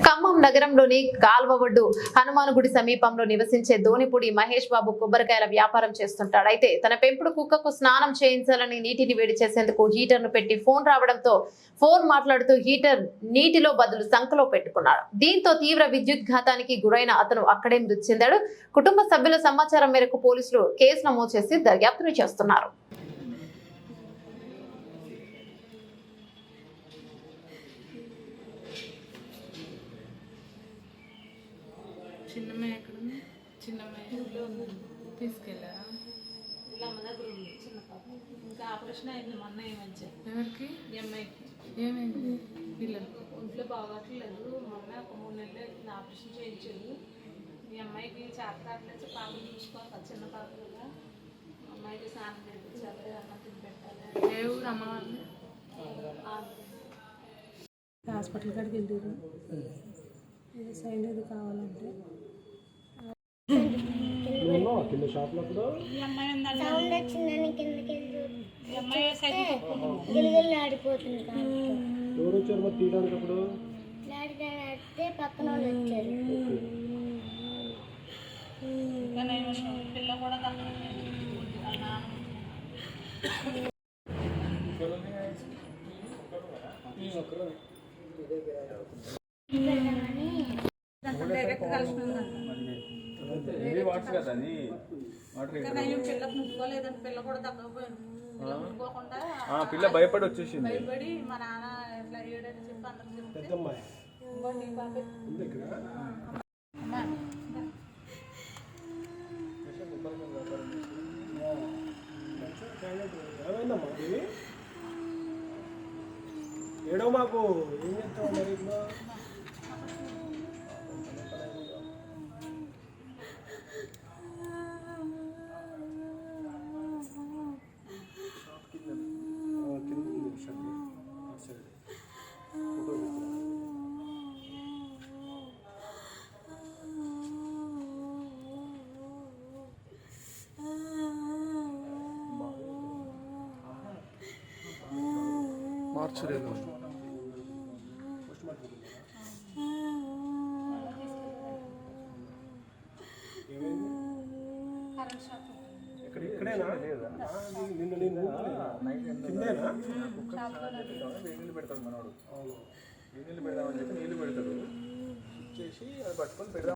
ఖమ్మం నగరంలోని కాల్వవొడ్డు హనుమాన్ గుడి సమీపంలో నివసించే ధోనిపూడి మహేష్ బాబు కొబ్బరికాయల వ్యాపారం చేస్తుంటాడు. అయితే తన పెంపుడు కుక్కకు స్నానం చేయించాలని నీటిని వేడి చేసేందుకు హీటర్ ను పెట్టి ఫోన్ రావడంతో ఫోన్ మాట్లాడుతూ హీటర్ నీటిలో బదులు సంకలో పెట్టుకున్నాడు. దీంతో తీవ్ర విద్యుత్ ఘాతానికి గురైన అతను అక్కడే మృతి చెందాడు. కుటుంబ సభ్యుల సమాచారం మేరకు పోలీసులు కేసు నమోదు చేసి దర్యాప్తును చేస్తున్నారు. చిన్నమ్మాయి ఎక్కడ ఉంది? చిన్నమ్మాయి తీసుకెళ్ళారా? ఇలా మన దగ్గర ఉంది చిన్న పాప. ఇంకా ఆపరేషన్ అయింది మొన్న ఏమని ఎవరికి? ఈ అమ్మాయికి. ఏమైంది? పిల్లలు ఒంట్లో బాగోట్లేదు. మొన్న ఒక 3 నెలలు అవుతుంది ఆపరేషన్ చేయించారు. ఈ అమ్మాయికి చేత కావట్లేదు. పాపను చూసుకోవాలి కదా, చిన్న పాప కదా. అమ్మాయికి స్నానం చేయించాలి, అన్నం తిని పెట్టాలి. ఏ ఊరు అమ్మవారిని? హాస్పిటల్ కాడికి వెళ్ళారు. సైన్ ఏది కావాలంటే ఆడిపోతుంది పక్కన వచ్చారు. పిల్ల కూడా పిల్లకు ముట్టుకోలేదండి. పిల్ల కూడా తగ్గకపోయింది. ముట్టుకోకుండా పిల్ల భయపడి వచ్చేసింది. భయపడి మా నాన్న ఎట్లా ఏడని చెప్పి అందరికి చెప్తే ఏడో మాకు ఏం చేస్తావు మరి ఇప్పుడు? మార్చలేదు. ఇక్కడేనా? నీళ్ళు పెడతాడు మనోడు. నీళ్ళు పెడదామని చెప్పి నీళ్ళు పెడతాడు. చేసి అది పట్టుకొని పెడదాం.